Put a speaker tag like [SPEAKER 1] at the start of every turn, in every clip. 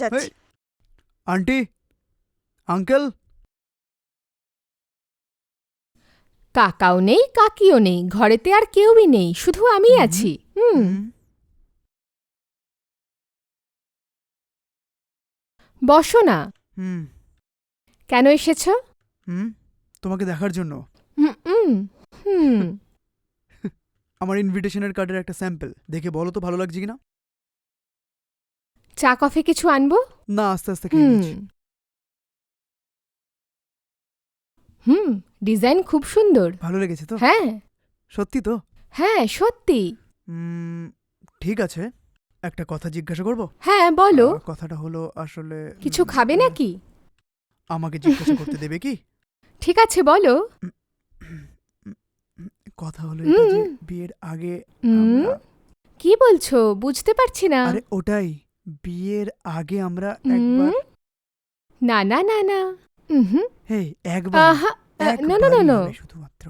[SPEAKER 1] যাচ্ছি।
[SPEAKER 2] Aunty, uncle,
[SPEAKER 3] কাকাও নেই, কাকিও নেই, ঘরেতে আর কেউই নেই, শুধু আমি আছি। বসো না।
[SPEAKER 2] হুম
[SPEAKER 3] কেন এসেছ?
[SPEAKER 2] হুম তোমাকে দেখার জন্য।
[SPEAKER 3] হুম হুম হুম
[SPEAKER 2] আমার ইনভিটেশনের কার্ডের একটা স্যাম্পল দেখে বলো তো ভালো লাগছে কিনা।
[SPEAKER 3] চা কফি কিছু আনবো?
[SPEAKER 2] না, আস্তে আস্তে খেয়ে
[SPEAKER 3] হুম
[SPEAKER 2] নিচ্ছি।
[SPEAKER 3] হুম ডিজাইন খুব সুন্দর।
[SPEAKER 2] ভালো লেগেছে তো?
[SPEAKER 3] হ্যাঁ
[SPEAKER 2] সত্যি তো?
[SPEAKER 3] হ্যাঁ সত্যি।
[SPEAKER 2] ঠিক আছে, একটা কথা জিজ্ঞাসা করবো?
[SPEAKER 3] হ্যাঁ বলো।
[SPEAKER 2] কথাটা হলো আসলে
[SPEAKER 3] কিছু খাবে নাকি?
[SPEAKER 2] আমাকে জিজ্ঞাসা করতে দেবে কি?
[SPEAKER 3] ঠিক আছে বলো।
[SPEAKER 2] কথা হলো এটা যে বিয়ের আগে আমরা
[SPEAKER 3] কি বলছো বুঝতে পারছি না।
[SPEAKER 2] আরে ওটাই, বিয়ের আগে আমরা একবার
[SPEAKER 3] না না না না। হুম
[SPEAKER 2] হেই একবার
[SPEAKER 3] আহা নো নো নো নো।
[SPEAKER 2] শুধুমাত্র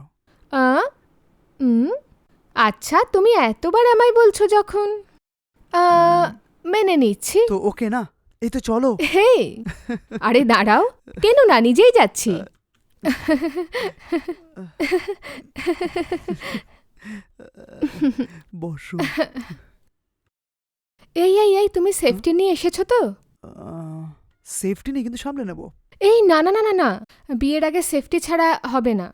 [SPEAKER 3] আচ্ছা তুমি এতবার আমায় বলছো যখন মেনে নিচ্ছি।
[SPEAKER 2] তো ওকে না, এই তো চলো।
[SPEAKER 3] হে আরে দাঁড়াও, কেন না, নিজেই যাচ্ছি।
[SPEAKER 2] বসু।
[SPEAKER 3] এই এই এই তুমি সেফটি নিয়ে এসেছো তো?
[SPEAKER 2] সেফটি নেই কিন্তু সামলে নেব।
[SPEAKER 3] এই না না না না না, বিয়ের আগে সেফটি ছাড়া হবে না।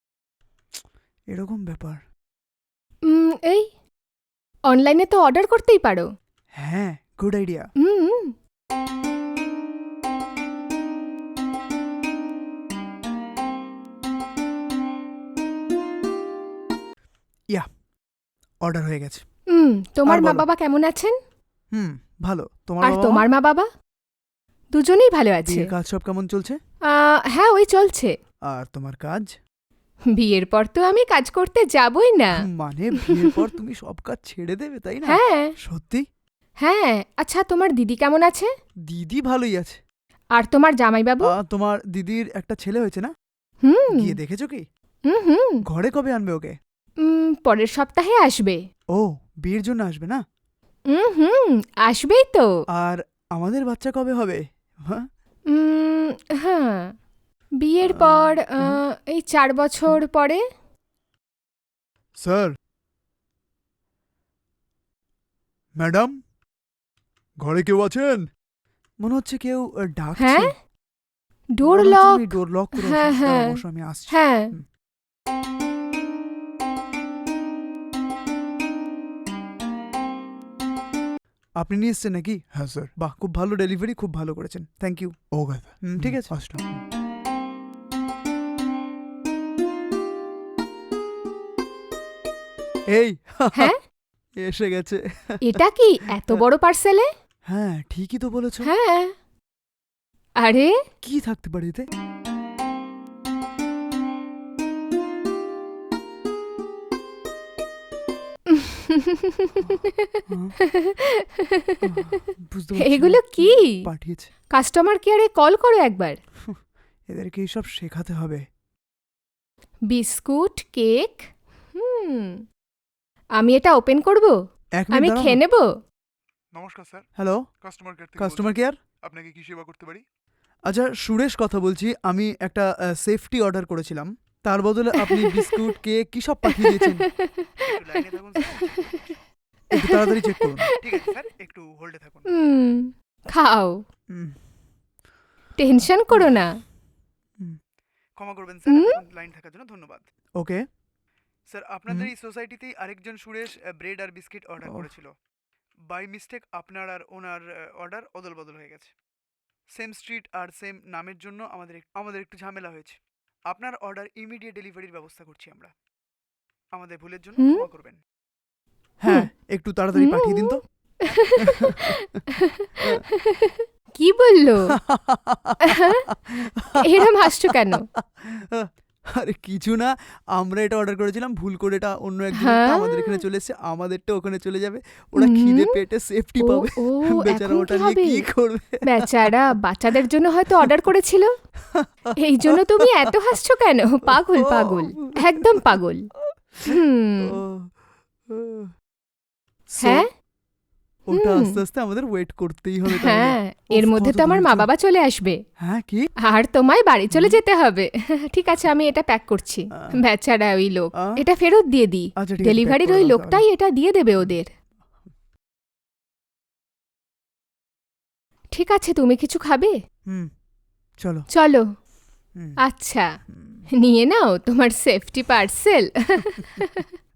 [SPEAKER 2] এরকম ব্যাপার?
[SPEAKER 3] এই অনলাইনে তো অর্ডার করতেই পারো।
[SPEAKER 2] হ্যাঁ, গুড আইডিয়া। ইয়া, অর্ডার হয়ে গেছে।
[SPEAKER 3] তোমার
[SPEAKER 2] আর
[SPEAKER 3] মা
[SPEAKER 2] বলো।
[SPEAKER 3] বাবা কেমন আছেন?
[SPEAKER 2] ভালো। তোমার
[SPEAKER 3] আর
[SPEAKER 2] বাবা
[SPEAKER 3] তোমার মা বাবা? দুজনেই ভালো আছে।
[SPEAKER 2] বিয়ের কাজ সব কেমন চলছে?
[SPEAKER 3] হ্যাঁ ওই চলছে।
[SPEAKER 2] আর তোমার কাজ?
[SPEAKER 3] বিয়ের পর তো আমি কাজ করতে যাবই না।
[SPEAKER 2] মানে বিয়ের পর তুমি সব কাজ ছেড়ে দেবে, তাই না?
[SPEAKER 3] হ্যাঁ
[SPEAKER 2] সত্যি?
[SPEAKER 3] হ্যাঁ। আচ্ছা তোমার দিদি কেমন আছে?
[SPEAKER 2] দিদি ভালোই আছে।
[SPEAKER 3] আর তোমার জামাইবাবু?
[SPEAKER 2] তোমার দিদির একটা ছেলে হয়েছে না?
[SPEAKER 3] হুম
[SPEAKER 2] গিয়ে দেখেছো কি?
[SPEAKER 3] হুম
[SPEAKER 2] ঘরে কবে আনবে ওকে?
[SPEAKER 3] পরের সপ্তাহে আসবে।
[SPEAKER 2] ও, বিয়ের জন্য আসবে না?
[SPEAKER 3] হুম আসবেই তো।
[SPEAKER 2] আর আমাদের বাচ্চা কবে হবে? হ্যাঁ,
[SPEAKER 3] হ্যাঁ বিয়ের পর এই 4 বছর পরে।
[SPEAKER 2] স্যার, ম্যাডাম, ঘরে কেউ আছেন? মনে হচ্ছে কেউ ডাকছে।
[SPEAKER 3] হ্যাঁ ডোর
[SPEAKER 2] মনে হচ্ছে
[SPEAKER 3] লক।
[SPEAKER 2] তুমি ডোর লক করে
[SPEAKER 3] হ্যাঁ হ্যাঁ
[SPEAKER 2] বসো, আমি আসছি।
[SPEAKER 3] হ্যাঁ।
[SPEAKER 2] আপনি নিয়ে এসছেন নাকি? হ্যাঁ স্যার। বাহ, খুব ভালো ডেলিভারি, খুব ভালো করেছেন, থ্যাংক ইউ। ওকে, ঠিক আছে, আসলাম। এই
[SPEAKER 3] হ্যাঁ
[SPEAKER 2] এসে গেছে।
[SPEAKER 3] এটা কি এত বড় পার্সেলে?
[SPEAKER 2] হ্যাঁ, ঠিকই তো বলেছো।
[SPEAKER 3] হ্যাঁ। আরে
[SPEAKER 2] কি থাকতে পারে এতে? বুঝতে পারছি না
[SPEAKER 3] এগুলো কি?
[SPEAKER 2] পাঠিয়েছে।
[SPEAKER 3] কাস্টমার কেয়ারে কল করো একবার।
[SPEAKER 2] এদেরকে এইসব শেখাতে হবে।
[SPEAKER 3] Biscuit, cake. আমি এটা ওপেন করব?
[SPEAKER 2] এক মিনিট
[SPEAKER 3] আমি
[SPEAKER 2] দাঁড়াও
[SPEAKER 3] খেয়ে
[SPEAKER 2] না।
[SPEAKER 3] নেব?
[SPEAKER 4] নমস্কার স্যার,
[SPEAKER 2] হ্যালো,
[SPEAKER 4] কাস্টমার কেয়ার থেকে
[SPEAKER 2] কাস্টমার
[SPEAKER 4] বলছি।
[SPEAKER 2] কেয়ার।
[SPEAKER 4] আপনাকে কি সেবা করতে পারি?
[SPEAKER 2] আচ্ছা, সুরেশ কথা বলছি। আমি একটা সেফটি অর্ডার করেছিলাম, তার বদলে আপনি বিস্কুট, কেক কি সব পাঠিয়ে দিয়েছেন।
[SPEAKER 4] একটু লাইনে থাকুন স্যার, চেক করে দিচ্ছি।
[SPEAKER 2] একটু তাড়াতাড়ি চেক করুন।
[SPEAKER 4] ঠিক আছে স্যার, একটু হোল্ডে থাকুন।
[SPEAKER 3] খাও,
[SPEAKER 2] উম,
[SPEAKER 3] টেনশন করো না।
[SPEAKER 4] ক্ষমা করবেন স্যার, এতক্ষণ লাইন থাকার জন্য ধন্যবাদ।
[SPEAKER 2] ওকে।
[SPEAKER 4] স্যার, আপনাদের এই সোসাইটিতেই আরেকজন সুরেশ ব্রেড আর বিস্কিট অর্ডার করেছিল। বাই মিস্টেক আপনার আর ওনার অর্ডার অদল বদল হয়ে গেছে। সেম স্ট্রিট আর সেম নামের জন্য আমাদের একটু ঝামেলা হয়েছে। আপনার অর্ডার ইমিডিয়েট ডেলিভারির ব্যবস্থা করছি আমরা। আমাদের ভুলের জন্য ক্ষমা করবেন।
[SPEAKER 2] হ্যাঁ, একটু তাড়াতাড়ি পাঠিয়ে দিন তো।
[SPEAKER 3] কি বললো? এরম হাসছো কেন?
[SPEAKER 2] আরে কিছু না, আমরা এটা অর্ডার করেছিলাম, ভুল করে এটা অন্য একজন
[SPEAKER 3] হ্যাঁ?
[SPEAKER 2] আমাদের এখানে চলে এসেছে, আমাদেরটা ওখানে চলে যাবে, ওরা খিদে পেটে সেফটি পাবে।
[SPEAKER 3] ও
[SPEAKER 2] বেচারা
[SPEAKER 3] এখন
[SPEAKER 2] ওটা
[SPEAKER 3] কি
[SPEAKER 2] নিয়ে
[SPEAKER 3] হবে?
[SPEAKER 2] কি করবে?
[SPEAKER 3] বেচারা বাচ্চাদের জন্য হয়তো অর্ডার করেছিল, এই জন্য তুমি এত হাসছো কেন? পাগল পাগল, একদম পাগল।
[SPEAKER 2] So,
[SPEAKER 3] হ্যাঁ
[SPEAKER 2] ওটা
[SPEAKER 3] হুম।
[SPEAKER 2] আস্তে আস্তে আমাদের ওয়েট করতেই হবে তাহলে।
[SPEAKER 3] হ্যাঁ এর
[SPEAKER 2] উফ,
[SPEAKER 3] মধ্যে
[SPEAKER 2] কত
[SPEAKER 3] তো আমার মা
[SPEAKER 2] ধৈর্য।
[SPEAKER 3] বাবা চলে আসবে
[SPEAKER 2] হ্যাঁ কি
[SPEAKER 3] আর তোমায় বাড়ি চলে যেতে হবে ঠিক আছে আমি এটা প্যাক করছি বেচারা ওই লোক
[SPEAKER 2] আহ,
[SPEAKER 3] এটা ফেরত দিয়ে দিই
[SPEAKER 2] আচ্ছা ঠিক আছে,
[SPEAKER 3] ডেলিভারির
[SPEAKER 2] pack করে
[SPEAKER 3] ওই
[SPEAKER 2] দাও
[SPEAKER 3] লোকটাই এটা দিয়ে দেবে ওদের ঠিক আছে তুমি কিছু খাবে
[SPEAKER 2] তাহলে। হুম চলো।
[SPEAKER 3] চলো
[SPEAKER 2] হুম,
[SPEAKER 3] আচ্ছা
[SPEAKER 2] হুম।
[SPEAKER 3] নিয়ে নাও তোমার সেফটি পার্সেল